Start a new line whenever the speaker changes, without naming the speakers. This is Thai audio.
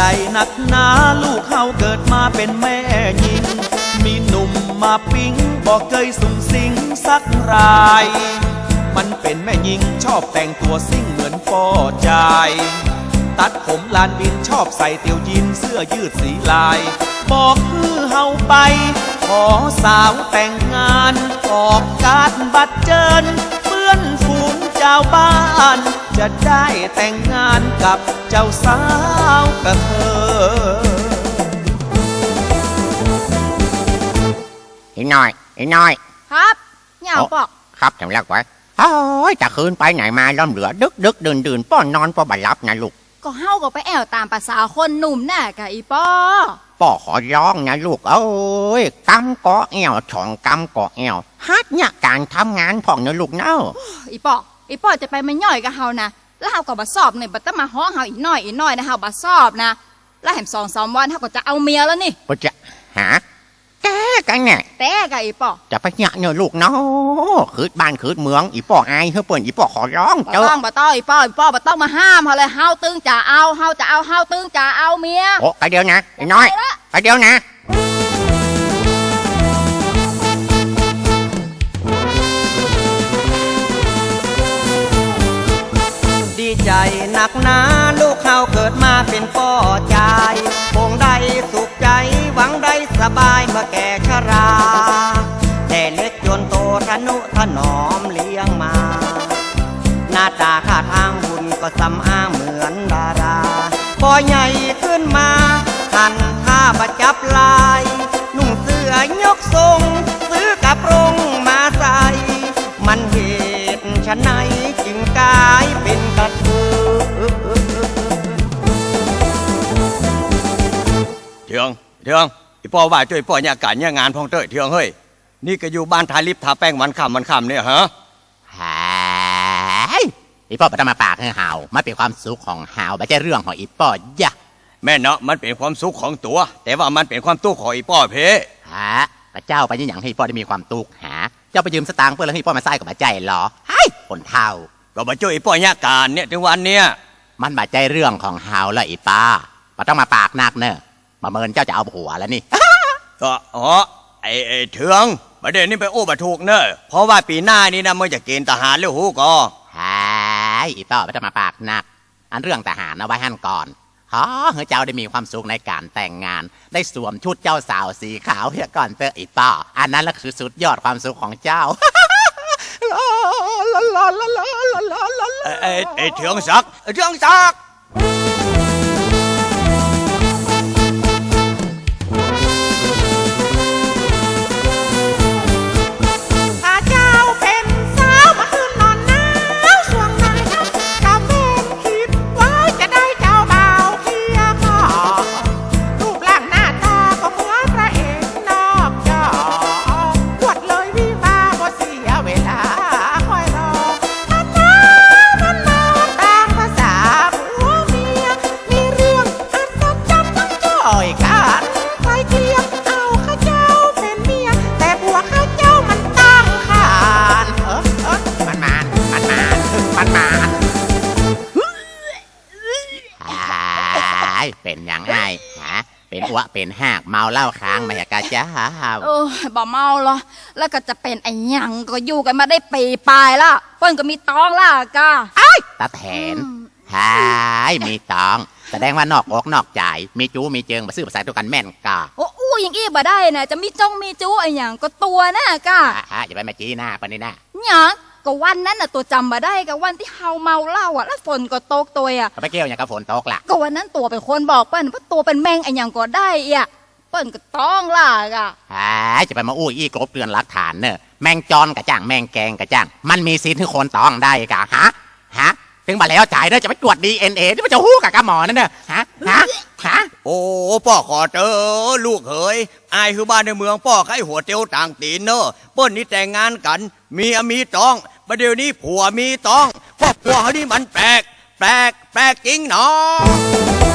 นักหนาลูกเขาเกิดมาเป็นแม่หญิงมีหนุ่มมาปิ๊งบอกเคยสุ่งสิงสักรายมันเป็นแม่หญิงชอบแต่งตัวซิ่งเหมือนป่อใจตัดผมลานบินชอบใส่เตียวยีนเสื้อยืดสีลายบอกคือเฮาไปขอสาวแต่งงานออกการบัตรเจิญเพื่อนฝูงเจ้าบ้านจะได้แต่งงานกับเจ้าสาวกระเทย
อีน้อย
ครับเหงาปอก
ครับจำแล้วไว้โอ้ยจะคืนไปไหนมาล้อมเหลือดึกดื่นป้อนนอนป้อบัดลับนะลูก
ก็เฮาก็ไปแอวตามภาษาคนหนุ่มน่ะกะอีป้อ
ขอร้องนะลูกเอ้ยกำเกาะแอวช่องกำเกาะแอวฮัดเนี่ยการทำงานพ่องนะลูกเนาะ
อีป้อจะไปไม่ย่อยกับเฮานะแล้วเฮาก็บ่สอบเนี่ยบ่ต้องมาฮ้องเฮาอีกหน่อยนะเฮาบ่สอบนะแล้วแถม2-3 วันเฮาก็จะเอาเมียแล้วนี่
ก็จะหาแกกันเนี่ย
แต่กะอีป้อ
จะไปเนี่ยเนอะลูกเนาะคืดบ้านคืดเมืองอีป้ออายเฮ้ยเปิ่นอีป้อขอร้อง
บ่ต้องอีป้อบ่ต้องมาห้ามเฮาเลยเฮาตึงจะเอาเฮาตึงจะเอาเมีย
โอ้ไปเดี๋ยวนะไอ้น้อยไปเดี๋ยวนะ
ดีใจหนักหนาลูกเขาเกิดมาเป็นป่อใจคงได้สุขใจหวังได้สบายเมื่อแก่ชราแต่เล็กจนโตทนุถนอมเลี้ยงมาหน้าตาท่าทางหุ่นก็สำอ้างเหมือนดาราพอใหญ่ขึ้นมาหันท่าประจับลายนุ่งเสื้อยกทรงซื้อกับโรงมาใส่มันเหตุฉะไหนจึงกลายเป็นกระเทย
เทืองอีพ่อว่าช่วยพ่อเนี่ยการเนี่ยงานพองเต้ยเทืองเฮ้ยนี่ก็อยู่บ้านทาลิฟทาแป้งวันค่ำเนี่ยฮะ
หายอีป้อไปทำมาปากให้หาวมันเป็นความสุขของหาวไม่ใช่เรื่องของอีป้อยะ
แม่เนาะมันเป็นความสุขของตัวแต่ว่ามันเป็นความทุกข์ของอีป้อเพ
ฮะพระเจ้าไปยังให้พ่อได้มีความตุกหาเจ้าไปยืมสตางค์เพื่อให้พ่อมาใส่กับมาใจหรอไอ้คนเท่า
ก็มาช่วยอีป้อเนี่ยการเนี่ยถึงวันเนี่ย
มันบาดใจเรื่องของหาวและอีป้าไม่ต้องมาปากนักเนอะมาเมินเจ้าจะเอาหัวแล้วนี่
ก็ไอ้เทืองประเด็นนี้ไปโอ้บะถูกเนอะเพราะว่าปีหน้านี้นะเมื่อจะเกณฑ์ทหารเรื่องหูก็
หายอีป้อไม่ต้องมาปากนักอันเรื่องทหารเอาไว้หั่นก่อนเฮ้ยเจ้าได้มีความสุขในการแต่งงานได้สวมชุดเจ้าสาวสีขาวเพื่อก่อนเตออีป้ออันนั้นแหละคือสุดยอดความสุขของเจ้า
ไอ้เทืองศักดิ์
เป็นอย่างไรฮะเป็นอ้วเป็นหากเมาเหล้าค้างมาอยากกะจ้า
บ่เมาหรอแล้วก็จะเป็นไอ้หยังก็อยู่กันมาได้ปีปลายละเปิ้นก็มีตองล่ะกะ
ตาแทนหายมีตองแสดงว่านอกอกนอกใจมีจูมีเจิงมาซื้อภาษาตัวกันแม่นกะ
อู้ยังอี้บ่ได้นะจะมีมีจูไอ้หยังก็ตัวน่ะกะ
อย่าไปมาจี้หน้าปะนี่นะ
หยังก็วันนั้นน่ะตัวจำมาได้กับวันที่เฮาเมาเหล้าอ่ะแล้วฝนก็ตกตัวอ่ะ
ไปเกี่ยวอย่างกับฝนตกล่ะ
ก็วันนั้นตัวเป็นคนบอกเปิ้นว่าตัวเป็นแมงไอ้หยังก็ได้อ่ะเปิ้นก็ต้องล่ะกะ
จะไปมาอู้อี้กลบเตือนหลักฐานเนอะแมงจอนกะจ้างแมงแกงกะจ้างมันมีสิทธิ์ที่คนต้องได้กะฮะถึงมาแล้วจ่ายเด้อจะไปตรวจ DNA ที่มันจะฮู้กับหมอนั่นเนอะฮะ
โอ้พ่อขอเจอลูกเขยอายคือบ้านในเมืองพ่อใครหัวเตียวต่างตีนเนอะเปิ้นนี่แต่งงานกันมีต้องประเดี๋ยวนี้ผัวมีต้องครอบครัวเขานี่มันแปลกจริงเนาะ